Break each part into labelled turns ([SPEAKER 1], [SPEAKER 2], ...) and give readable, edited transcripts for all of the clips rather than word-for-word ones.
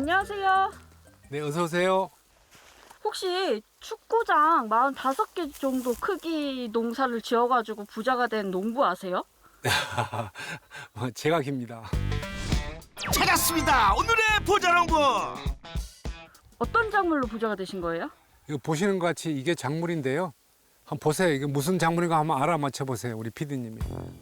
[SPEAKER 1] 안녕하세요.
[SPEAKER 2] 네, 어서 오세요.
[SPEAKER 1] 혹시 축구장 45개 정도 크기 농사를 지어가지고 부자가 된 농부 아세요?
[SPEAKER 2] 제가 깁니다.
[SPEAKER 3] 찾았습니다. 오늘의 부자농부.
[SPEAKER 1] 어떤 작물로 부자가 되신 거예요?
[SPEAKER 2] 이거 보시는 것 같이 이게 작물인데요. 한번 보세요. 이게 무슨 작물인가 한번 알아맞혀 보세요. 우리 PD님이.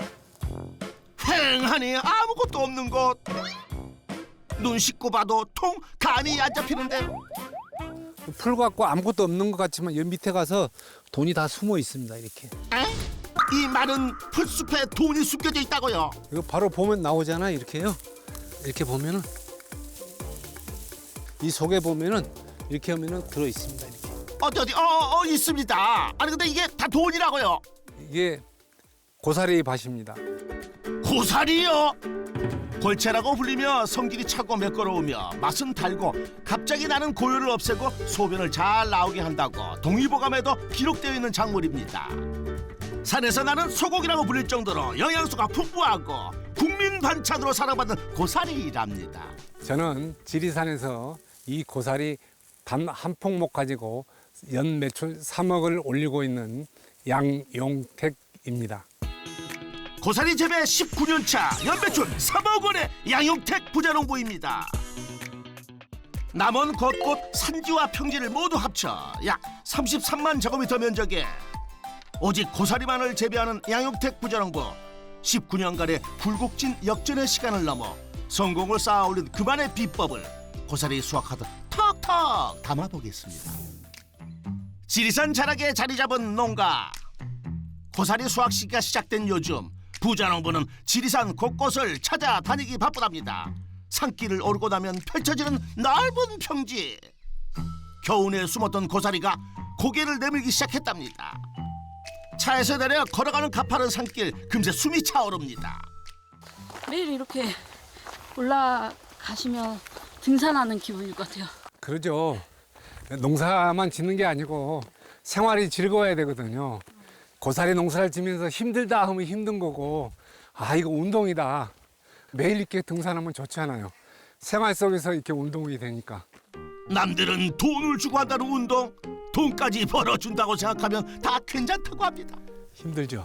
[SPEAKER 3] 휑하니 아무것도 없는 곳. 눈 씻고 봐도 통 감이 안 잡히는데.
[SPEAKER 2] 풀 같고 아무것도 없는 것 같지만 여기 밑에 가서 돈이 다 숨어 있습니다. 이렇게.
[SPEAKER 3] 에? 이 많은 풀숲에 돈이 숨겨져 있다고요.
[SPEAKER 2] 이거 바로 보면 나오잖아. 이렇게요. 이렇게 보면은 이 속에 보면은 이렇게 하면은 들어 있습니다. 이렇게.
[SPEAKER 3] 어디 있습니다. 아니 근데 이게 다 돈이라고요.
[SPEAKER 2] 이게 고사리 밭입니다.
[SPEAKER 3] 고사리요? 골채라고 불리며 성질이 차고 매끄러우며 맛은 달고 갑자기 나는 고요를 없애고 소변을 잘 나오게 한다고 동의보감에도 기록되어 있는 작물입니다. 산에서 나는 소고기라고 불릴 정도로 영양소가 풍부하고 국민 반찬으로 사랑받는 고사리랍니다.
[SPEAKER 2] 저는 지리산에서 이 고사리 단 한 폭목 가지고 연 매출 3억을 올리고 있는 양용택입니다.
[SPEAKER 3] 고사리 재배 19년 차 연매출 3억 원의 양용택 부자농부입니다. 남원 곳곳 산지와 평지를 모두 합쳐 약 33만 제곱미터 면적에 오직 고사리만을 재배하는 양용택 부자농부. 19년간의 굴곡진 역전의 시간을 넘어 성공을 쌓아올린 그만의 비법을 고사리 수확하듯 턱턱 담아보겠습니다. 지리산 자락에 자리 잡은 농가. 고사리 수확 시기가 시작된 요즘 부자농부는 지리산 곳곳을 찾아다니기 바쁘답니다. 산길을 오르고 나면 펼쳐지는 넓은 평지. 겨우내 숨었던 고사리가 고개를 내밀기 시작했답니다. 차에서 내려 걸어가는 가파른 산길 금세 숨이 차오릅니다.
[SPEAKER 1] 매일 이렇게 올라가시면 등산하는 기분일 것 같아요.
[SPEAKER 2] 그러죠. 농사만 짓는 게 아니고 생활이 즐거워야 되거든요. 고사리 농사를 지면서 힘들다 하면 힘든 거고, 아, 이거 운동이다. 매일 이렇게 등산하면 좋잖아요. 생활 속에서 이렇게 운동이 되니까.
[SPEAKER 3] 남들은 돈을 주고 한다는 운동, 돈까지 벌어준다고 생각하면 다 괜찮다고 합니다.
[SPEAKER 2] 힘들죠.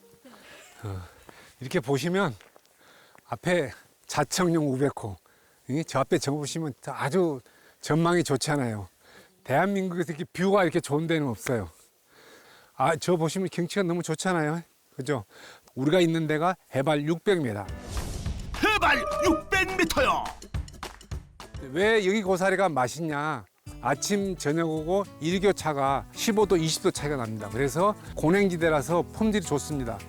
[SPEAKER 2] 이렇게 보시면 앞에 자청용 우베코, 저 앞에 적어보시면 아주 전망이 좋잖아요. 대한민국에서 이렇게 뷰가 이렇게 좋은 데는 없어요. 아, 저 보시면 경치가 너무 좋잖아요. 그죠? 우리가 있는 데가 해발 600m.
[SPEAKER 3] 해발 600m요.
[SPEAKER 2] 왜 여기 고사리가 맛있냐? 아침, 저녁 오고 일교차가 15도, 20도 차이가 납니다. 그래서 고냉지대라서 품질이 좋습니다.